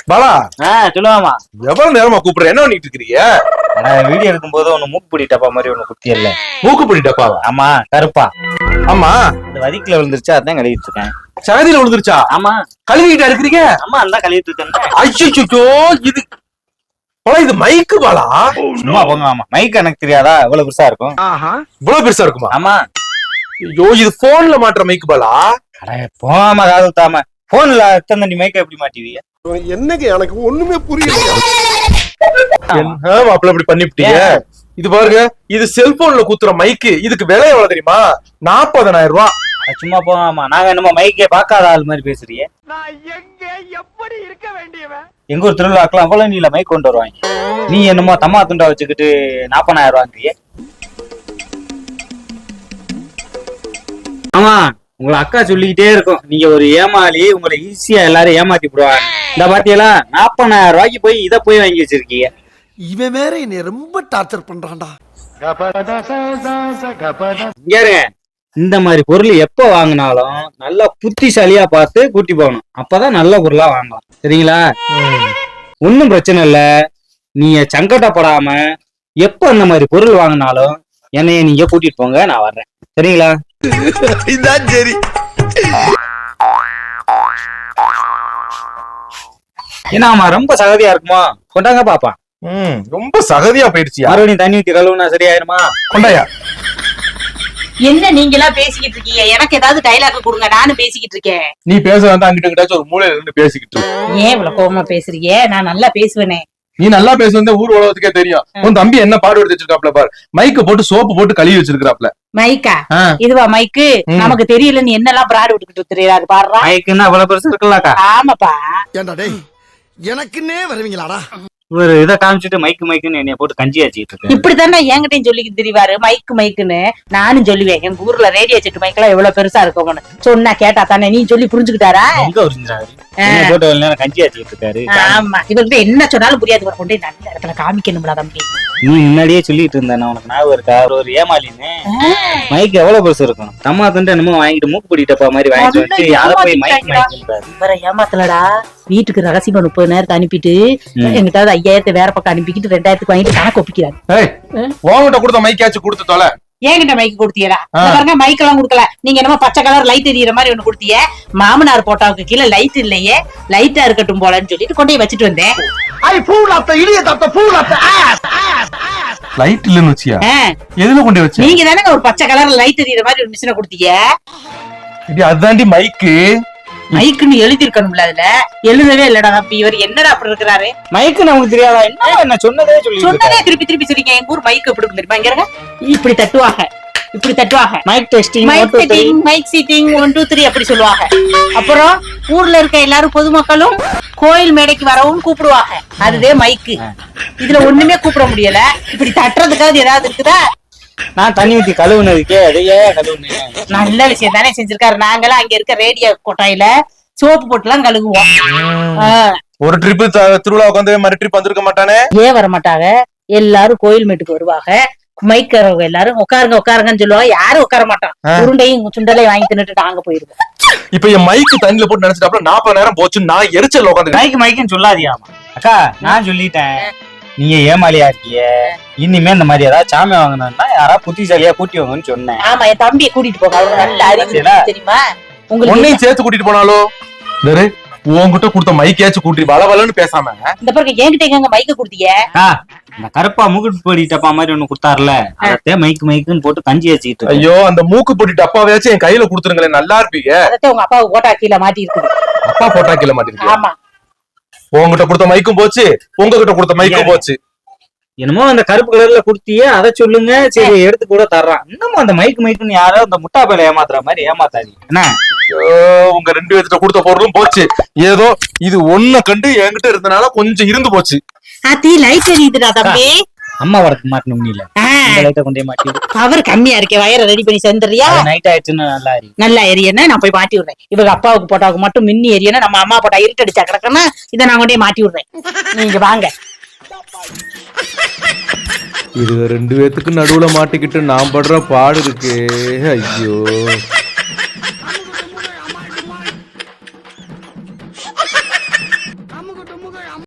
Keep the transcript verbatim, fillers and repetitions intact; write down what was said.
பாலா சொல்லுவாமா. எவ்வளவு நேரமா கூப்பிடுற, என்ன பண்ணிட்டு இருக்கிறீங்க? வீடியோ எடுக்கும் போது ஒண்ணு மூக்குப்பிடி டப்பா மாதிரி ஒண்ணு குத்தி இல்ல. மூக்குப்பிடி டப்பாவா? ஆமா, கருப்பா. ஆமா, இந்த வதிக்குல விழுந்துருச்சா, அதான் கழுவிட்டு இருக்கேன். சகதியில விழுந்துருச்சா? ஆமா. கழுவிட்டா இருக்கிறீங்க? ஆமா, அதான் கழுவிட்டு இருக்கேன். ஐயோ, இது பாலா, இது மைக்கு பாலா. சும்மா போங்க. ஆமா, மைக் எனக்கு தெரியாதா? இவ்வளவு பெருசா இருக்கும். இவ்வளவு பெருசா இருக்குமா? ஆமா. ஐயோ, இது போன்ல மாட்டுற மைக்கு பாலா. போகாம காது ஊத்தாம போன்ல எத்தனை தண்ணி மைக்க எப்படி மாட்டுவீங்க? என்னங்க எனக்கு ஒண்ணுமே புரியல. என்ன மாப்பிள்ள இப்படி பண்ணிவிட்டீங்க? இது பாருங்க, இது செல்போன்ல குத்துற மைக்கு. இதுக்கு விலை எவ்வளவு தெரியுமா? நாற்பதனாயிரம் ரூபாய். சும்மா போகாமா, நாங்க என்னமோ மைக்கே பார்க்காத ஆள் மாதிரி பேசுறீங்க. நான் எங்க எப்படி இருக்க வேண்டியவன்? எங்க ஒரு திருவிழாக்கெல்லாம் அவ்வளவு நீல மைக் கொண்டு வருவாங்க. நீ என்னமோ தம்மா துண்டா வச்சுக்கிட்டு நாற்பதாயிரம் ரூபாங்கிறிய. ஆமா, உங்களை அக்கா சொல்லிக்கிட்டே இருக்கும், நீங்க ஒரு ஏமாளி, உங்களை ஈஸியா எல்லாரும் ஏமாத்தி விடுவாங்க. இந்த பாத்தியெல்லாம் நாற்பதாயிரம் ரூபாய்க்கு போய் இதை போய் வாங்கி வச்சிருக்கீங்க. இவன் வேற என்னை ரொம்ப டார்ச்சர் பண்றான்டா. இந்த மாதிரி பொருள் எப்ப வாங்கினாலும் நல்லா புத்திசாலியா பார்த்து கூட்டி போகணும். அப்பதான் நல்ல பொருளா வாங்கலாம். சரிங்களா? ஒன்னும் பிரச்சனை இல்ல. நீங்க சங்கடப்படாம எப்ப அந்த மாதிரி பொருள் வாங்கினாலும் என்னைய நீங்க கூட்டிட்டு போங்க, நான் வர்றேன். சரிங்களா? இதான் சரி. ஏன்னா ரொம்ப சகதியா இருக்குமா? கொண்டாங்க பாப்பா. ம், ரொம்ப சகதியா போயிடுச்சு. மறுபடியும் தண்ணி ஊத்தி கழுவுனா சரியாயிருமா? கொண்டாயா. என்ன நீங்க எல்லாம் பேசிக்கிட்டு இருக்கீங்க? எனக்கு ஏதாவது டைலாக் கொடுங்க, நானும் பேசிக்கிட்டு இருக்கேன். நீ பேச வேண்டாம், அங்கிட்ட கிட்டாச்சும் ஒரு மூலையில இருந்து பேசிக்கிட்டு. ஏன் இவ்வளவு கோவமா பேசுறீங்க? நான் நல்லா பேசுவேனே. நீ நல்லா பேசுறது ஊர் உலகத்துக்கே தெரியும். உன் தம்பி என்ன பாடு எடுத்து வச்சிருக்காப்ல பாரு. மைக்க போட்டு சோப்பு போட்டு கழுவி வச்சிருக்காப்ல. மைக்கா? இதுவா மைக்கு? நமக்கு தெரியல, நீ என்னெல்லாம் பிராடு விட்டுக்கிட்டு தெரியாது பாடுறா. மைக்குன்னா அவ்வளவு பெருசு இருக்குல்லக்கா. ஆமாப்பா. ஏண்டா டேய், எனக்குன்னே வருவீங்களாடா? ஒரு இதை காமிச்சிட்டு மைக்கு மைக்குன்னு என்னைய போட்டு கஞ்சி ஆச்சிட்டு இருக்கேன். இப்படித்தானே என்கிட்டயும் சொல்லிக்கிட்டு தெரிவாரு, மைக்கு மைக்குன்னு. நானும் சொல்லுவேன், எங்க ஊர்ல ரேடியோ செட்டு மைக் எல்லாம் எவ்வளவு பெருசா இருக்கும்னு சொன்னா கேட்டா தானே. நீ சொல்லி புரிஞ்சுக்கிட்டாரா? எங்க புரிஞ்சாரு? போட்டு நேரம் கஞ்சி ஆச்சிட்டு இருக்காரு. ஆமா, இவர்கிட்ட என்ன சொன்னாலும் புரியாது. இவர் கொண்டு நல்ல இடத்துல காமிக்கணும்டா தம்பி. நீ முன்னாடியே சொல்லிட்டு இருந்தேன், உனக்கு ஞாபகம் இருக்கா? ஒரு ஏமாலின்னு மைக் எவ்வளவு பெருசு இருக்கும். தம்மா துண்டு என்னமோ வாங்கிட்டு மூக்கு பிடிட்டப்பா மாதிரி வாங்கிட்டு வச்சு அதை போய் மைக் மைக் இவரை ஏமாத்தலடா. வீட்டுக்கு ரகசியமா முப்பது நேரத்தை அனுப்பிட்டு எங்கிட்ட ஐயாயிரத்தை வேற பக்கம் அனுப்பிக்கிட்டு ரெண்டாயிரத்துக்கு வாங்கிட்டு கணக்கு ஒப்பிக்கிறாரு. உங்ககிட்ட கொடுத்த மைக்காச்சும் கொடுத்து தொலை. ஏங்கிட்ட மைக்கு கொடுத்தீங்களா? பாருங்க, மைக் எல்லாம் கொடுக்கல. நீங்க என்னமோ பச்சை கலர் லைட் எரியற மாதிரி ஒண்ணு கொடுத்தீங்க. மாமனார் போட்டாவுக்கு கீழே லைட் இல்லையே, லைட்டா இருக்கட்டும் போலன்னு சொல்லிட்டு கொண்டு போய் வச்சுட்டு வந்தேன். லைட் இல்லன்னு வச்சியா? எதுல கொண்டு வச்ச? நீங்க தானே ஒரு பச்சை கலர் லைட் எரியற மாதிரி ஒரு மிஷினை கொடுத்தீங்க. இது அதாண்டி மைக்கு. மைக்குன்னு எழுதி இருக்கணும்ல, அதுல எழுதவே இல்லடா தம்பி. இவர் என்னடா அப்படி இருக்கிறாரு? மைக்கு நமக்கு தெரியாதா? என்ன என்ன சொன்னதே சொல்லி சொன்னதே திருப்பி திருப்பி சொல்றீங்க. எங்க ஊர் மைக் எப்படி தெரியுமா? இங்க இருங்க, இப்படி தட்டுவாங்க, இப்படி தட்டுவாங்க. Mic testing, mic setting, mic seating, one two three அப்படி சொல்லுவாங்க. அப்புறம் ஊர்ல இருக்க எல்லாரும் பொதுமக்களும் கோயில் மேடைக்கு வரவும் கூப்பிடுவாங்க. அதுவே மைக்கு. இதுல ஒண்ணுமே கூப்பிட முடியல. இப்படி தட்டுறதுக்காவது ஏதாவது இருக்குதா? நான் தண்ணி ஊத்தி கழுவுனதுக்கே அதையே கழுவுனேன். நல்ல விஷயம் தானே செஞ்சிருக்காரு. நாங்கெல்லாம் அங்க இருக்க ரேடியோ கொட்டாயில சோப்பு போட்டு எல்லாம் கழுவுவோம். ஒரு ட்ரிப் திருவிழா உட்காந்து மறு ட்ரிப் வந்திருக்க மாட்டானே. ஏன் வர மாட்டாங்க? எல்லாரும் கோயில் மேட்டுக்கு வருவாங்க. மைக்கிறவங்க எல்லாரும் உட்காருங்க உட்காருங்கன்னு சொல்லுவாங்க. யாரும் உட்கார மாட்டான். உருண்டையும் சுண்டலையும் வாங்கி தின்னுட்டு நாங்க போயிருவோம். இப்ப என் மைக்கு தண்ணியில போட்டு நினைச்சிட்டு நாற்பது நேரம் போச்சு. நான் எரிச்சல் உட்காந்து மைக்கு மைக்குன்னு சொல்லாதியாமா. அக்கா, நான் சொல்லிட்டேன், நீங்க ஏமாலியா இருக்கிய. இனிமே இந்த மாதிரி ஏதாவது சாமி வாங்கணும்னா யாராவது புத்திசாலியா கூட்டி வாங்கன்னு சொன்னேன். ஆமா, என் தம்பியை கூட்டிட்டு போங்க. அவரு நல்ல அறிவு தெரியுமா உங்களுக்கு. உன்னையும் சேர்த்து கூட்டிட்டு போனாலும் உன்கிட்ட கொடுத்த மைக்கையாச்சும் கூட்டி வள வளன்னு பேசாம. இந்த பிறகு என்கிட்ட எங்க மைக்க கொடுத்தீங்க? இந்த கருப்பா மூக்கு பொடி டப்பா மாதிரி ஒண்ணு கொடுத்தாருல, அதே மைக்கு மைக்குன்னு போட்டு கஞ்சி வச்சுக்கிட்டு. ஐயோ, அந்த மூக்கு பொடி டப்பாவையாச்சும் என் கையில கொடுத்துருங்களேன், நல்லா இருப்பீங்க. அதே உங்க அப்பாவுக்கு போட்டா கீழே மாட்டி இருக்குது. அப்பா போட்டா கீழே மாட்டி. ஆமா, உங்ககிட்ட கொடுத்த மைக்கும் போச்சு, உங்ககிட்ட கொடுத்த மைக்கும் போச்சு. என்னமோ அந்த கருப்பு கலர்ல குடுத்தியே அதை சொல்லுங்க, சரி எடுத்து கூட தர்றான். இன்னமும் அந்த மைக்கு மைக்குன்னு யாரோ அந்த முட்டா பேல ஏமாத்துற மாதிரி ஏமாத்தாதீங்க. என்ன, உங்க ரெண்டு பேர்கிட்ட கொடுத்த பொருளும் போச்சு. ஏதோ இது ஒண்ணு கண்டு என்கிட்ட இருந்தனால கொஞ்சம் இருந்து போச்சு. ஆத்தி லைட் எரியுதுடா தம்பி. அம்மா வரக்கு மாட்டணும் முடியல. லைட்டை கொண்டே மாட்டி. பவர் கம்மியா இருக்கே, வயரை ரெடி பண்ணி செஞ்சுறியா? நைட் ஆயிடுச்சுன்னா நல்லா எரி நல்லா எரியனா நான் போய் மாட்டி விடுறேன். இவங்க அப்பாவுக்கு போட்டாவுக்கு மட்டும் மின்னி எரியனா, நம்ம அம்மா போட்டா இருட்டடிச்சா கிடக்குன்னா இதை நான் கொண்டே மாட்டி விடுறேன். நீங்க வாங்க. இது ரெண்டு பேத்துக்கு நடுவுல மாட்டிக்கிட்டு நான் படுற பாடு இருக்கு. ஐயோ.